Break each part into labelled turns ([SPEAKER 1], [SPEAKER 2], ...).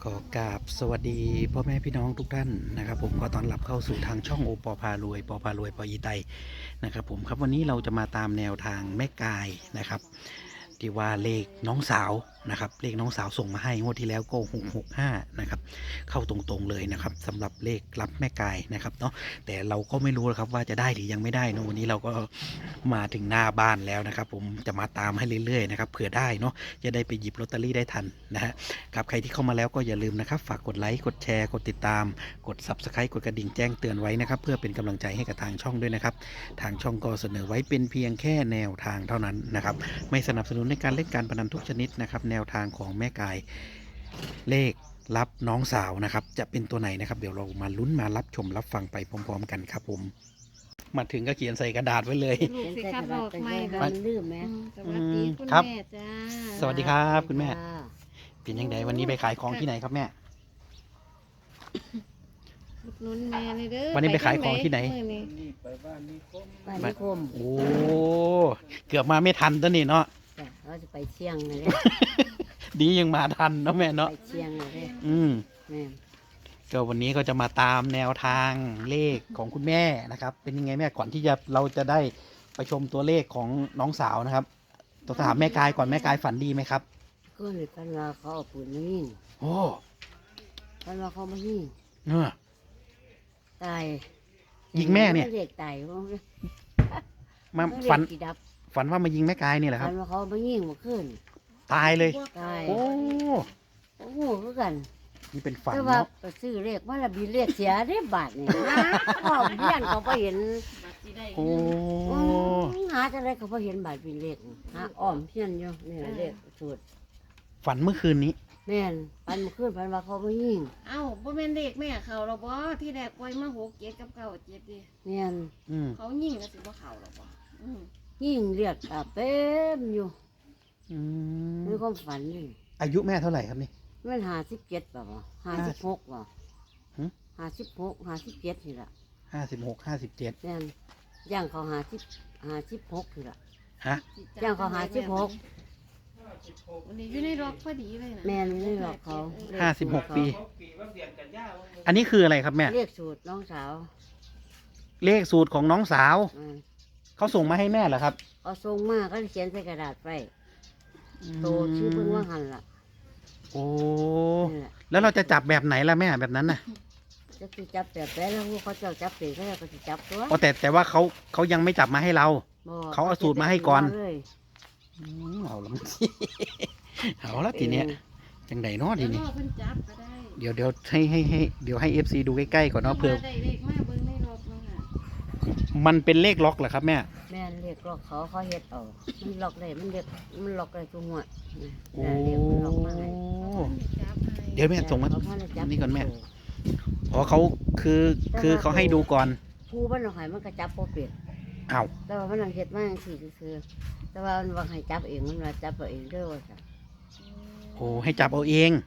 [SPEAKER 1] อกราบสวัสดีพ่อแม่พี่น้องทุกท่านนะครับผมขอต้อนรับเข้าสู่ทางช่องโอปอพารวยปอพารวยปออีไตนะครับผมครับวันนี้เราจะมาตามแนวทางแม่กายนะครับที่ว่าเลขน้องสาวนะครับเลขน้องสาวส่งมาให้งวดที่แล้วก็665นะครับเข้าตรงๆเลยนะครับสำหรับเลขรับแม่กายนะครับเนาะแต่เราก็ไม่รู้นะครับว่าจะได้หรือยังไม่ได้นะวันนี้เราก็มาถึงหน้าบ้านแล้วนะครับผมจะมาตามให้เรื่อยๆนะครับเผื่อได้เนาะจะได้ไปหยิบลอตเตอรี่ได้ทันนะฮะ ครับใครที่เข้ามาแล้วก็อย่าลืมนะครับฝากกดไลค์กดแชร์กดติดตามกด Subscribe กดกระดิ่งแจ้งเตือนไว้นะครับเพื่อเป็นกำลังใจให้กับทางช่องด้วยนะครับทางช่องก็เสนอไว้เป็นเพียงแค่แนวทางเท่านั้นนะครับไม่สนับสนุนในการเล่นการพนันทุกชนิดนะครับแนวทางของแม่กายเลขรับน้องสาวนะครับจะเป็นตัวไหนนะครับเดี๋ยวเรามาลุ้นมารับชมรับฟังไปพร้อมๆกันครับผมมาถึงก็เขียนใส่กระดาษไว้เลย
[SPEAKER 2] ลูกสิครับบอกไม่
[SPEAKER 3] มั
[SPEAKER 2] ค่ะ
[SPEAKER 3] นลืมไหม
[SPEAKER 2] สวัสดีคุณ
[SPEAKER 1] ครับ
[SPEAKER 2] แม่จ้า
[SPEAKER 1] สวัสดีครับคุณแม่เป็นยังไงวันนี้ไปขายของที่ไหนครับแม่
[SPEAKER 2] อุดหนุนแม่เลยเด้อ
[SPEAKER 1] วันนี้ไปขายของที่ไหน
[SPEAKER 2] มื้อนี้
[SPEAKER 3] บ้านนิคม
[SPEAKER 1] โอ้เกือบมาไม่ทันตัวนี้เนาะ
[SPEAKER 3] จ้ะเราจะไปเชียงเลย
[SPEAKER 1] ดียังมาทันเนาะแม่เนาะ
[SPEAKER 3] ไปเชียงเลย แม่
[SPEAKER 1] ก็วันนี้ก็จะมาตามแนวทางเลขของคุณแม่นะครับ เป็นยังไงแม่ก่อนที่เราจะได้ไปชมตัวเลขของน้องสาวนะครับต้องถามแม่กายก่อนแม่กายฝันดีไหมครับ
[SPEAKER 3] ก็เลยกันว่าเขาเอาปืนมายิง
[SPEAKER 1] โอ้
[SPEAKER 3] กันว่าเขามายิง
[SPEAKER 1] เนอะ
[SPEAKER 3] ตาย
[SPEAKER 1] ยิงแม่เนี่ย
[SPEAKER 3] เด็กตายว่า
[SPEAKER 1] มา
[SPEAKER 3] เด็
[SPEAKER 1] ฝัน
[SPEAKER 3] กกี่ดับ
[SPEAKER 1] ฝันว่ามายิงแม่กายนี่แหละค
[SPEAKER 3] กั
[SPEAKER 1] รับ
[SPEAKER 3] นว่าเขามายิงเมาขึ้น
[SPEAKER 1] ตายเลย
[SPEAKER 3] ตาย
[SPEAKER 1] โอ้
[SPEAKER 3] โอ้โหคือกัน
[SPEAKER 1] นี่เป็นฝัน
[SPEAKER 3] แต่ว่า
[SPEAKER 1] เนาะ
[SPEAKER 3] ไปซื้อเลขว่าละบีเลขเสียได้บาทเนี่ยพ่อเพี้ยนเขาไปเห็น
[SPEAKER 2] บัตรสิได้
[SPEAKER 1] โอ้
[SPEAKER 3] หาจังไรเขาไปเห็นบาทเป็นเลขหาอ้อมเพี้ยนอยู่นี่เลขสูตร
[SPEAKER 1] ฝันเมื่อคืนนี้
[SPEAKER 3] แม่นปันมาขึ้นปันว่าเขามายิง
[SPEAKER 2] เอ้าบ่แม่นเด็กแม่เขาหรอบ่ที่แรกปล่อยมา6 7กับ9 7ดิ
[SPEAKER 3] แม่น
[SPEAKER 1] อืม
[SPEAKER 2] เขายิงก็สิบ่เข้าหรอบ่อืม
[SPEAKER 3] ยิ่งเรียกเต็มอยู่
[SPEAKER 1] อืม
[SPEAKER 3] มีความฝันนี่
[SPEAKER 1] อายุแม่เท่าไหร่ครับนี่
[SPEAKER 3] มัน57ป่ะ56ป่ะ
[SPEAKER 1] หึ
[SPEAKER 3] 56 57นี่ล่ะ
[SPEAKER 1] 56 57
[SPEAKER 3] แม่นย่างเขา56นี่ล่ะ
[SPEAKER 1] ฮะ
[SPEAKER 2] สิจั
[SPEAKER 3] ย่างเขา56
[SPEAKER 2] วันนี้อยู่ในล็อกพอดีเลยนะ
[SPEAKER 3] แม่นไม่หรอกเขา
[SPEAKER 1] 56 ปี อันนี้คืออะไรครับแม่
[SPEAKER 3] เรียกสูตรน้องสาว
[SPEAKER 1] เลขสูตรของน้องสาว
[SPEAKER 3] อืม
[SPEAKER 1] เขาส่งมาให้แม่เหรอครับ
[SPEAKER 3] เขาส่งมาก็เขียนใส่กระดาษไปโตชื่อเพิ่งว่าหันล่ะ
[SPEAKER 1] โอ้
[SPEAKER 3] นี่แหละ
[SPEAKER 1] แล้วเราจะจับแบบไหนล่ะแม่แบบนั้นน่ะ
[SPEAKER 3] จะสิจับแบบไหนแล้วเขาเจ้าจับเป็นเขาจะสิจับตัว
[SPEAKER 1] อ๋อแต่ว่าเขายังไม่จับมาให้เรา
[SPEAKER 3] บ่
[SPEAKER 1] เขาเอาสูตรมาให้ก่อน
[SPEAKER 3] เลย
[SPEAKER 1] เอาละ เอาละทีเนี้ยจังไดเนาะที
[SPEAKER 2] เดี๋ยว
[SPEAKER 1] นี้
[SPEAKER 2] รอเพิ่นจับก็ได้
[SPEAKER 1] เดี๋ยวให้ FC ดูใกล้ๆก่อนเนาะเผื่อ
[SPEAKER 2] ได้เลขมาเบิ่งในล็อกเนาะค่ะ
[SPEAKER 1] มันเป็นเลขล็อกเหรอครับแม่
[SPEAKER 3] แม่นเรียกล็อกเขาเฮ็ดเอามันล็อกได้มันล็อกได้ทุกหัว
[SPEAKER 1] โอ้
[SPEAKER 3] เรียกมันล็อกมาให้
[SPEAKER 2] จับให้
[SPEAKER 1] เดี๋ยวแม่ส่งมา
[SPEAKER 3] เขพจับ
[SPEAKER 1] นี่ก่อนแม่ อ๋อเขาคือเขาให้ดูก่อน
[SPEAKER 3] ผู้มันเอาให้มันก็จับบ่เป็น
[SPEAKER 1] อ้าว
[SPEAKER 3] แต่ว่ามันเอาเฮ็ดมาจังซี่คือแต่ว่ามันว่าให้จับเองมันว่าจับเอาเองเด้อว่าซั่น
[SPEAKER 1] โอ้ให้จับเอาเอง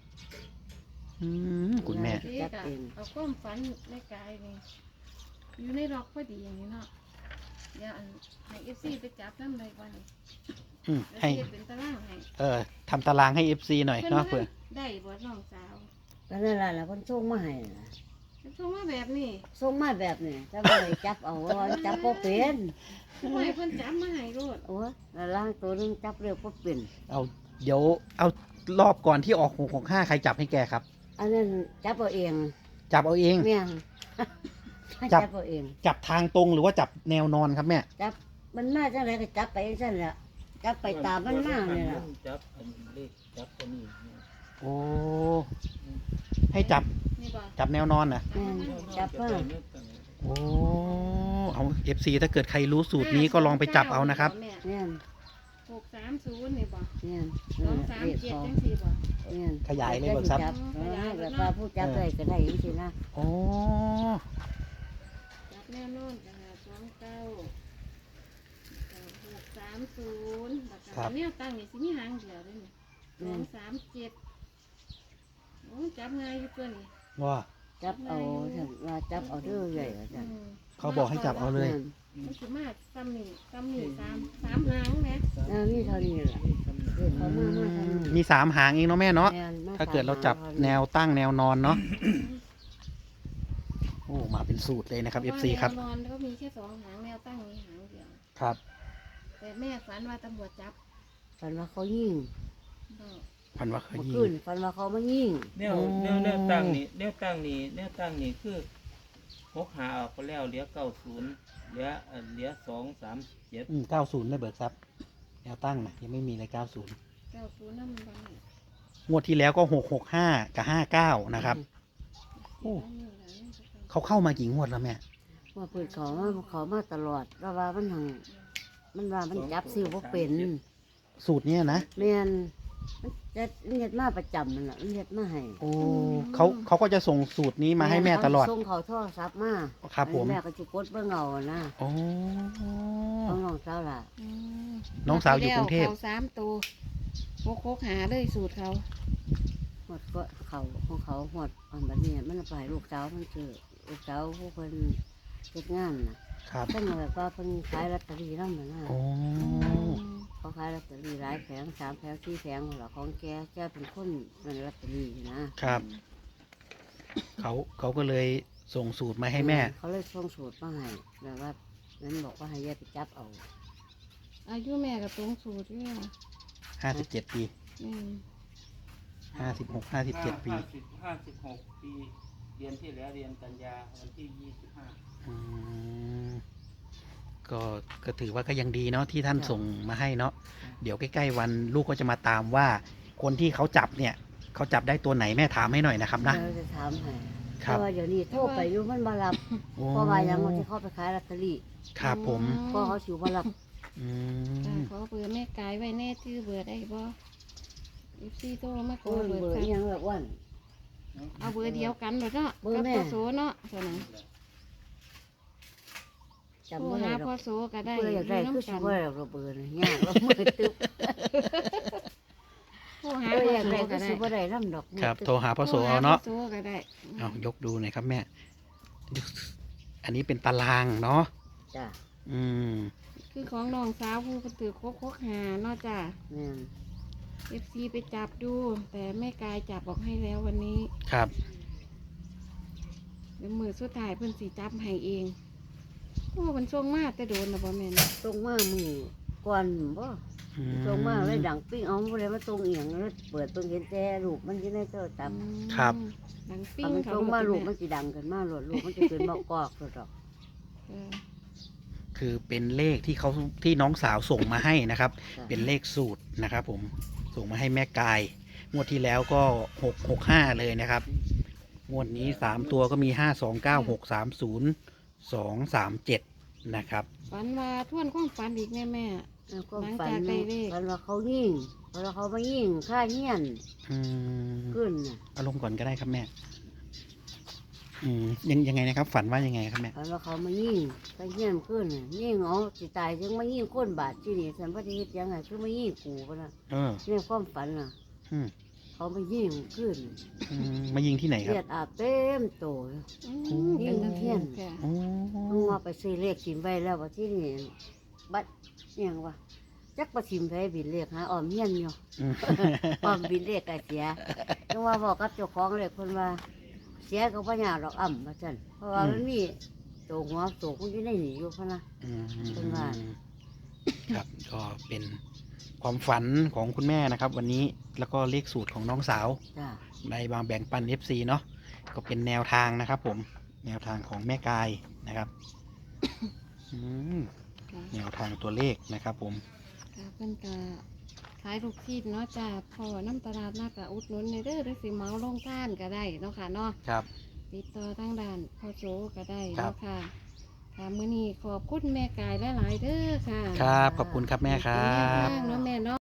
[SPEAKER 1] คุณแม่
[SPEAKER 2] เด็กอะเอาความฝันในกายนี่อยู่ในล็อกพอดีอย่างนี้เนาะอย่าอันให้ FC ไปจับนำได้บ่นี่
[SPEAKER 1] ให้
[SPEAKER 2] แล้วสิเฮ็ดเป็นตารางให้
[SPEAKER 1] ทำตารางให้ FC หน่อยเนาะเผื่อ
[SPEAKER 2] ได้บ่น้องสาว
[SPEAKER 3] ก็นั่นล่ะเพิ่นส่งมาให้น่ะ
[SPEAKER 2] ส่งมาแบบนี้
[SPEAKER 3] ส่งมาแบบนี้แต่ว่าให้จับเอาว่าจับบ่เป็น
[SPEAKER 2] ทำไมเพิ่นจับมาให้โลด
[SPEAKER 3] โอ้ยแล้วล่างตัวนึงจับเร็วบ่เป็น
[SPEAKER 1] เอาเดี๋ยวเอารอบก่อนที่ออก665ใครจับให้แกครับ
[SPEAKER 3] อันนั้นจับเอาเอง
[SPEAKER 1] จับเอาเอง
[SPEAKER 3] แม่น
[SPEAKER 1] จับ
[SPEAKER 3] จับเอาเอง
[SPEAKER 1] จับทางตรงหรือว่าจับแนวนอนครับแม่
[SPEAKER 3] จับมันมาจังไรก็จับไปจังแหละจับไปตามมันมาเนี่ยล่ะ
[SPEAKER 4] จับอันเลขจับตัวนี้เนี่ย
[SPEAKER 1] โอ้ให้จับ
[SPEAKER 2] นี่บ่
[SPEAKER 1] จับแนวนอนนะ
[SPEAKER 3] แม่นจับมา
[SPEAKER 1] โอ้เอา FC ถ้าเกิดใครรู้สูตรนี้ก็ลองไปจับเอานะครับ
[SPEAKER 2] แม่
[SPEAKER 3] แม่น
[SPEAKER 2] 630นี่บ่
[SPEAKER 3] แม่น
[SPEAKER 2] 237จังซี่บ่
[SPEAKER 3] แม่น
[SPEAKER 1] ขยายเลยเบิกทรัพย์
[SPEAKER 3] จัแบบว่าผู้จับได้ก็ได้จริงๆนะ
[SPEAKER 1] โอ้
[SPEAKER 2] จับแน่นอนจ้ะ29 630แล้วก็แนวตั้งนี่สิมีหางเดียวเด้นี่237โอ้จับง่ายอยู่ตัวนี้
[SPEAKER 1] ว่า
[SPEAKER 3] จับเอาฉันว่าจับเอาเด้อใหญ่ว่าจัน
[SPEAKER 1] เขาบอกให้จับเอาเลย
[SPEAKER 2] มันสิมาซ้ำนี่3หางแหม
[SPEAKER 3] มีเท่านี้แหละเลขเขามาทางนี้
[SPEAKER 1] มี3 หางเองเนาะแม่เนาะ
[SPEAKER 3] แม่นม
[SPEAKER 1] ถ้าเกิดเราจับ
[SPEAKER 3] ตมห
[SPEAKER 1] แนวตั้งแนวนอนเนาะโอ้มาเป็นสูตรเลยนะครับ FC ครับ
[SPEAKER 2] แนวนอนก็มีแค่2 หางแนวตั้งมีหางเดียว
[SPEAKER 1] ครับ
[SPEAKER 2] แต่แม่ฝันว่าตำรวจจับ
[SPEAKER 3] ฝันว่าเขายิง
[SPEAKER 2] ก็
[SPEAKER 1] พันว่าเคย
[SPEAKER 3] เมื่อ
[SPEAKER 1] ยิ
[SPEAKER 3] คืน
[SPEAKER 1] ง
[SPEAKER 3] ฝันว่าเขามายิง
[SPEAKER 4] แนว
[SPEAKER 1] โอ้
[SPEAKER 4] แนวตั้งนี่แนวตั้งนี่คือ6หาออกไปแล้วเหลือ90เหลือ237
[SPEAKER 1] 90ได้เบิกทรัพย์แนวตั้งนะยังไม่มีเลย90
[SPEAKER 2] 90นั่นมันบ้าง
[SPEAKER 1] งวดที่แล้วก็665กับ59นะครับ โอ้ เขาเข้ามากี่งวดแล้วแม่
[SPEAKER 3] ว่าเปิดเขามาตลอดแล้วว่ามันหังมันว่ามันจับซื้อบ่เป็น
[SPEAKER 1] สูตรเนี้ยนะ
[SPEAKER 3] แม่นมันจะเฮ็ดมาประจำมันล่ะมันเฮ็ดมาให้
[SPEAKER 1] โอ้เขาก็จะส่งสูตรนี้มาให้แม่ตลอด
[SPEAKER 3] ส่งเขาโทรศัพท์มา
[SPEAKER 1] ครับผม
[SPEAKER 3] แม่ก็สิกดเบิ่งเอานะ
[SPEAKER 1] โอ้
[SPEAKER 3] ของน้องสาวล่ะ
[SPEAKER 1] น้องสาวอยู่กรุงเทพ
[SPEAKER 2] เขา3 ตัวโคกหาเลยสูตรเขา
[SPEAKER 3] หมดก็เขาของเขาหมดอันบัดนี้มันเอาไปให้ลูกสาวมันซื้อลูกสาวผู้เพิ่นเฮ็ดงานน่ะ
[SPEAKER 1] ครับ
[SPEAKER 3] เพิ่นแบบว่าเพิ่นขายลอตเตอรี่นำน่ะนะ
[SPEAKER 1] โอ้
[SPEAKER 3] เขาขายลอตเตอรี่หลายแผง3 แผง 4 แผงหมดละของแกเป็นคนเป็นลอตเตอรี่นะครับ
[SPEAKER 1] เขาก็เลยส่งสูตรมาให้แม่
[SPEAKER 3] เขาเลยส่งสูตรมาให้แบบว่านั้นบอกว่าให้แยกไปจับเอา
[SPEAKER 2] อายุแม่กับตรงสูตรเนี่ย
[SPEAKER 1] 57 ปี
[SPEAKER 2] อืม
[SPEAKER 1] 56 57 ปี
[SPEAKER 4] 56 ปีเรียนที่แล้วเรียนกันยาวันที่25
[SPEAKER 1] อืมก็ถือว่าก็ยังดีเนาะที่ท่านส่งมาให้เนาะเดี๋ยวใกล้ๆวันลูกก็จะมาตามว่า คนที่เขาจับเนี่ยเขาจับได้ตัวไหนแม่ถามให้หน่อยนะครับนะ
[SPEAKER 3] เราจะถามให้
[SPEAKER 1] ครับ
[SPEAKER 3] เพราะว่าเดี๋ยวนี้โทรไปอยู่มันมารับ
[SPEAKER 1] โอ้
[SPEAKER 3] เพราะว่ายังมันจะเข้าไปขายลอตเตอรี่
[SPEAKER 1] ครับผม
[SPEAKER 3] ก็เขาสิมารับ
[SPEAKER 1] อื
[SPEAKER 2] จ้ะ
[SPEAKER 1] ม
[SPEAKER 2] ขอเบอร์แม่กายไว้แน่ชื่อเบอร์ได้บ่FCโทรมาขอ
[SPEAKER 3] โอ้ย
[SPEAKER 2] เบอร์
[SPEAKER 3] เบอร์
[SPEAKER 2] ค่ะ
[SPEAKER 3] อิหยังแบบว่า
[SPEAKER 2] เอาเบอร์เดียวกันเด้อเนาะ
[SPEAKER 3] เบอร์
[SPEAKER 2] กับ
[SPEAKER 3] แม่
[SPEAKER 2] พ่อโสเนาะเท่านั้น
[SPEAKER 3] จำ
[SPEAKER 2] โทร
[SPEAKER 3] ไม่ได้
[SPEAKER 2] หา
[SPEAKER 3] หร
[SPEAKER 2] พ่อ
[SPEAKER 3] อก
[SPEAKER 2] โสก็ได้
[SPEAKER 3] เพื่ออยากได้
[SPEAKER 2] ยู่
[SPEAKER 3] คือสิ
[SPEAKER 2] น้ำ
[SPEAKER 3] บ่
[SPEAKER 2] กัน
[SPEAKER 3] ได้หรอกเบอร์นี่ยากเรามือตึ๊บ
[SPEAKER 2] โทรหา
[SPEAKER 3] เพื่อ
[SPEAKER 2] พ่อ
[SPEAKER 3] อยาก
[SPEAKER 2] โส
[SPEAKER 3] ได้
[SPEAKER 2] ก็
[SPEAKER 3] คือ
[SPEAKER 2] ได้
[SPEAKER 3] สิบ่ได้นำดอกมือ
[SPEAKER 1] ครับ
[SPEAKER 3] ตึ๊
[SPEAKER 1] โทรหาพ่อโสเอาเนาะ
[SPEAKER 2] โทรหพ่อโสก็ได้
[SPEAKER 1] เอายกดูหน่อยครับแม่ อันนี้เป็นตารางเนาะ
[SPEAKER 3] จ้ะ
[SPEAKER 1] อืม
[SPEAKER 2] คือของน้องสาวผู้เป็นตือโคกหาเนาะจ้ะ
[SPEAKER 3] แม่น
[SPEAKER 2] FC ไปจับดู แต่แม่กายจับออกให้แล้ววันนี้
[SPEAKER 1] ครับ
[SPEAKER 2] เดี๋ยวมือสุดท้ายเพิ่นสิจับให้เองโอ้มันส่งมาแต่โดนนะบ่แม่น
[SPEAKER 3] ตรงมามือก่อนบ่
[SPEAKER 1] อื
[SPEAKER 3] ตรงมาเลยดังปิ้งเอาบ่ได้มาตรงเอียงแล้วเปิดเบิ่งเห็นแต่รูปมันอยู่ในโทรศัพท์
[SPEAKER 1] ครับ
[SPEAKER 2] หนังปิ้
[SPEAKER 3] ถ้าง มัน
[SPEAKER 2] เขา
[SPEAKER 3] ตรงมาลูก
[SPEAKER 2] มั
[SPEAKER 3] มันสิดังขึ้นมาโลดลูกมันจะขึ้นมากอกโลดดอก
[SPEAKER 1] คือเป็นเลขที่เขาที่น้องสาวส่งมาให้นะครับ
[SPEAKER 3] จ้ะ
[SPEAKER 1] เป็นเลขสูตรนะครับ ผมส่งมาให้แม่กายงวดที่แล้วก็665เลยนะครับงวดนี้3ตัวก็มี529630237นะครับ
[SPEAKER 2] ฝันว่าทวนความฝันอีกแม่แม่
[SPEAKER 3] แล้วก็
[SPEAKER 2] หลัง
[SPEAKER 3] ฝัน
[SPEAKER 2] จากได้เลข
[SPEAKER 3] ฝันว่าเขายิงฝันว่าเขามายิงฆ่าเฮียน
[SPEAKER 1] อืม
[SPEAKER 3] ขึ้นน่ะ
[SPEAKER 1] เอารมณ์ก่อนก็ได้ครับแม่ยังไงนะครับ ฝันว่ายังไงครับแม่
[SPEAKER 3] ฝันว่าเขามายิงฆ่าเฮียนขึ้นน่ะยิงเอาสิตายจังมายิงคนบาดที่นี่ฉันบ่ได้เฮ็ดหยังไงคือมายิงกูปะนะ
[SPEAKER 1] เออ
[SPEAKER 3] ในความฝันน่ะ
[SPEAKER 1] อืม
[SPEAKER 3] เขามายิงขึ้น
[SPEAKER 1] มายิงที่ไหนครั
[SPEAKER 3] เลือบ ดอาบเต็มโตเลย
[SPEAKER 2] เป็นจัง
[SPEAKER 3] เทียน
[SPEAKER 2] ค่ะ
[SPEAKER 1] โอ้
[SPEAKER 3] ต้องว่าไปซื้อเลขทิมไว้แล้วว่าที่นี่บัดอิหยังวะจักประทิมไว้บินเลขหาออมเฮียนอยู่
[SPEAKER 1] อืม
[SPEAKER 3] ออมบินเลขก็เสียต้องว่าบอกกับเจ้าของเลขคนว่า เสียก็บ่ยากดอกอ่ำว่าซั่นเพราะว่ามันมีโตหัวโตมันอยู่ในนี่อยู่พะนะ
[SPEAKER 1] อืม
[SPEAKER 3] เป็นว่า
[SPEAKER 1] ครับก็เป็นความฝันของคุณแม่นะครับ วันนี้แล้วก็เลขสูตรของน้องสาว
[SPEAKER 3] จ้า
[SPEAKER 1] ในบางแบ่งปัน FC เนาะก็เป็นแนวทางนะครับ ผมแนวทางของแม่กายนะครับอืม
[SPEAKER 2] ค่ะ
[SPEAKER 1] แนวทางตัวเลขนะครับ ผม
[SPEAKER 2] ค่ะเพิ่นก็ขายลูกชิ้นเนาะจ้ะพอน้ำตลาดนัดก็อุดหนุนในเด้อหรือสิเหมาลงท่านก็ได้เนาะค่ะเนาะ
[SPEAKER 1] ครับ
[SPEAKER 2] ติดต่อทางด้านพ่อโจก็ได้
[SPEAKER 1] ครับ
[SPEAKER 2] เนาะค่ะค่ะมื้อนี้ขอบคุณแม่กายหลายๆเด้อค่ะ
[SPEAKER 1] ครับขอบคุณครับแม่ครั
[SPEAKER 2] เป็นแนว
[SPEAKER 1] บ
[SPEAKER 2] ทางเนาะแม่เนาะ